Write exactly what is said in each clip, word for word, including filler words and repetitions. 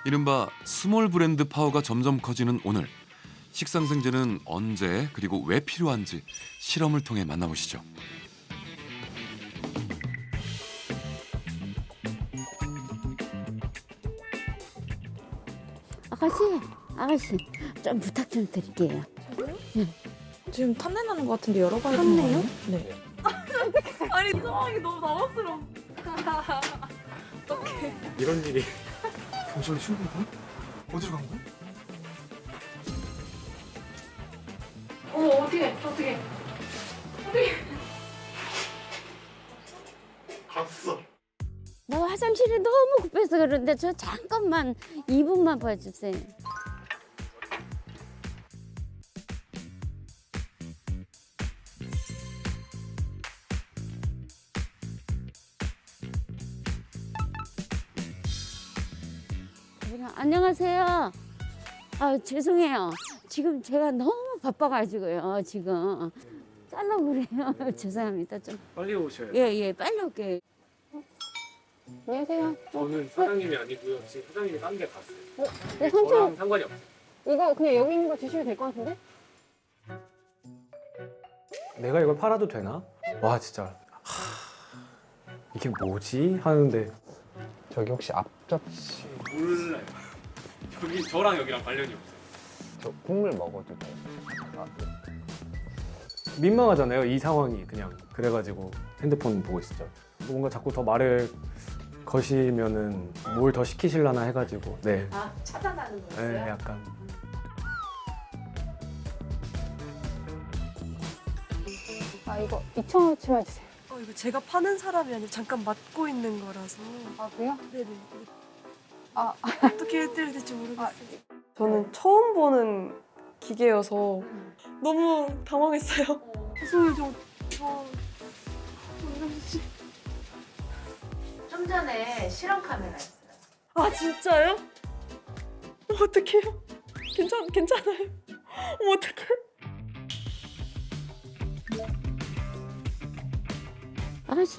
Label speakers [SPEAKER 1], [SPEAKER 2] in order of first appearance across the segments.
[SPEAKER 1] 이른바 스몰 브랜드 파워가 점점 커지는 오늘. 식상생제는 언제 그리고 왜 필요한지 실험을 통해 만나보시죠.
[SPEAKER 2] 아가씨, 아가씨, 좀 부탁 좀 드릴게요.
[SPEAKER 3] 지금 탄내 나는 것 같은데 열어봐야 되는
[SPEAKER 2] 탄내요?
[SPEAKER 3] 거예요? 네. 아니 이 상황이 너무 당황스러워. 어떡해.
[SPEAKER 4] 이런 일이 경찰에 신고가? 어디로 간 거야?
[SPEAKER 3] 어머 어떻게 어떻게
[SPEAKER 4] 갔어.
[SPEAKER 2] 나 화장실이 너무 급해서 그런데 저 잠깐만 이 분만 봐주세요. 제가, 안녕하세요. 아 죄송해요. 지금 제가 너무 바빠가지고요. 지금 잘라고 그래요. 죄송합니다. 좀
[SPEAKER 4] 빨리 오셔야 돼요.
[SPEAKER 2] 예예 빨리 올게요. 안녕하세요.
[SPEAKER 4] 저는 사장님이 아니고요. 지금 사장님이 딴 데 갔어요.
[SPEAKER 5] 네,
[SPEAKER 4] 저랑
[SPEAKER 5] 삼촌
[SPEAKER 4] 상관이 없어요.
[SPEAKER 5] 이거 그냥 여기 있는 거 주시면 될 것 같은데?
[SPEAKER 4] 내가 이걸 팔아도 되나? 와 진짜 하... 이게 뭐지? 하는데
[SPEAKER 6] 저기 혹시 앞접시
[SPEAKER 4] 몰라요. 여기 저랑 여기랑 관련이 없어요.
[SPEAKER 6] 저 국물 먹어도 돼요? 아, 네.
[SPEAKER 4] 민망하잖아요. 이 상황이 그냥 그래가지고 핸드폰 보고 있었죠. 뭔가 자꾸 더 말을 거시면은 뭘 더 시키실라나 해가지고 네.
[SPEAKER 2] 아 차단하는 거였어요?
[SPEAKER 4] 네, 약간
[SPEAKER 5] 아 이거 이천 원어치만 주세요.
[SPEAKER 3] 어 이거 제가 파는 사람이 아니라 잠깐 맡고 있는 거라서.
[SPEAKER 5] 아 그래요?
[SPEAKER 3] 네네.
[SPEAKER 5] 아,
[SPEAKER 3] 어떻게 해드려야 될지 모르겠어요.
[SPEAKER 5] 아,
[SPEAKER 3] 저는 처음 보는 기계여서 너무 당황했어요. 죄송해요. 저, 저, 저,
[SPEAKER 2] 좀 전에 실험 카메라였어요.
[SPEAKER 3] 아 진짜요? 어, 어떡해요? 괜찮 괜찮아요? 어, 어떡해?
[SPEAKER 2] 아가씨,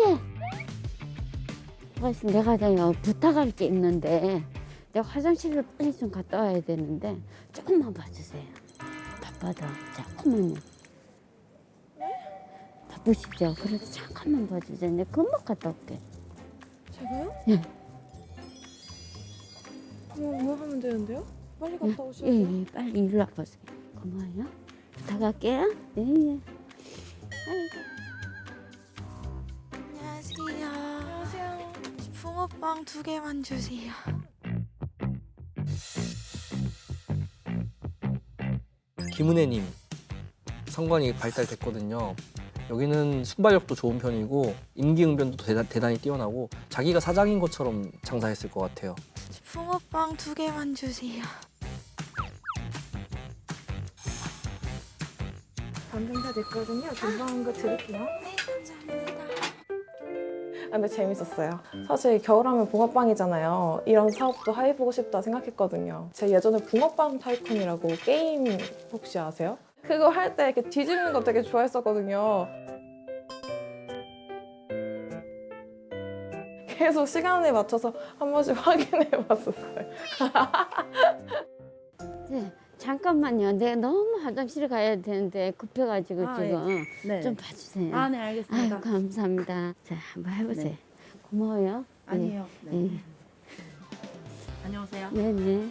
[SPEAKER 2] 아가씨 내가 저요 부탁할 게 있는데 내가 화장실을 빨리 좀 갔다 와야 되는데 조금만 봐주세요. 바빠도 조금만요. 바쁘시죠? 그래도 잠깐만 봐주세요. 내가 금방 갔다 올게.
[SPEAKER 3] 제가요?
[SPEAKER 2] 예.
[SPEAKER 3] 뭐, 뭐 하면 되는데요? 빨리 갔다
[SPEAKER 2] 예,
[SPEAKER 3] 오셔야죠.
[SPEAKER 2] 예, 빨리 일로 와보세요. 고마워요. 부탁할게요. 예, 예. 아이고.
[SPEAKER 7] 안녕하세요. 안녕하세요. 붕어빵 두 개만 주세요.
[SPEAKER 8] 김은혜님 성관이 발달됐거든요. 여기는 순발력도 좋은 편이고 임기응변도 대단, 대단히 뛰어나고 자기가 사장인 것처럼 장사했을 것 같아요.
[SPEAKER 7] 붕어빵 두 개만 주세요.
[SPEAKER 3] 반등 다 됐거든요. 금방 거 드릴게요.
[SPEAKER 7] 네, 감사합니다.
[SPEAKER 3] 아, 근데 재밌었어요. 사실 겨울하면 붕어빵이잖아요. 이런 사업도 해보고 싶다 생각했거든요. 제가 예전에 붕어빵 타이쿤이라고 게임 혹시 아세요? 그거 할 때 이렇게 뒤집는 거 되게 좋아했었거든요. 계속 시간에 맞춰서 한 번씩 확인해 봤었어요.
[SPEAKER 2] 네, 잠깐만요. 내가 너무 화장실 가야 되는데 급해가지고
[SPEAKER 9] 아,
[SPEAKER 2] 지금
[SPEAKER 9] 네.
[SPEAKER 2] 좀 봐주세요.
[SPEAKER 9] 아, 네, 알겠습니다.
[SPEAKER 2] 아유, 감사합니다. 자, 한번 해보세요.
[SPEAKER 9] 네.
[SPEAKER 2] 고마워요.
[SPEAKER 9] 아니에요. 네.
[SPEAKER 2] 네.
[SPEAKER 9] 안녕하세요.
[SPEAKER 2] 네, 네.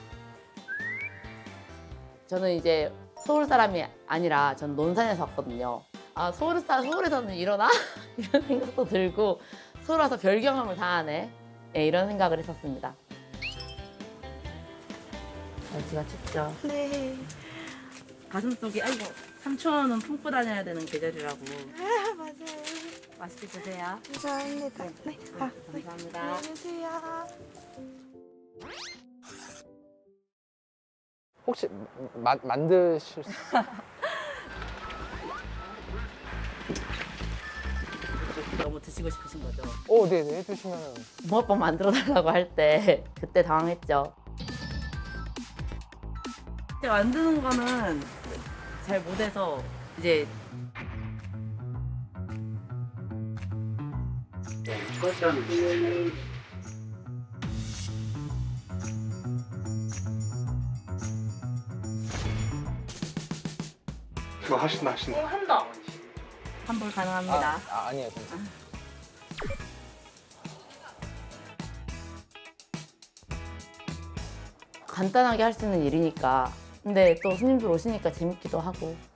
[SPEAKER 9] 저는 이제 서울 사람이 아니라 전 논산에서 왔거든요. 아, 서울 사 서울에서는 이러나? 이런 생각도 들고 서울 와서 별 경험을 다 하네. 네, 이런 생각을 했었습니다. 아, 제가 직접
[SPEAKER 7] 네.
[SPEAKER 9] 가슴속에 아이고 삼촌은 품고 다녀야 되는 계절이라고.
[SPEAKER 7] 아, 맞아요.
[SPEAKER 9] 맛있게 드세요.
[SPEAKER 7] 감사합니다. 네. 아, 네.
[SPEAKER 9] 감사합니다.
[SPEAKER 7] 안녕히 계세요.
[SPEAKER 6] 혹시 마, 만드실 수
[SPEAKER 9] 너무 드시고 싶으신 거죠?
[SPEAKER 6] 어, 네네 해주시면
[SPEAKER 9] 붕어빵 만들어 달라고 할 때 그때 당황했죠. 만드는 거는 잘 못해서 이제
[SPEAKER 10] 뭐 하신다 하신다.
[SPEAKER 9] 한다. 환불 가능합니다.
[SPEAKER 6] 아, 아 아니에요 괜찮아요.
[SPEAKER 9] 간단하게 할 수 있는 일이니까. 근데 또 손님들 오시니까 재밌기도 하고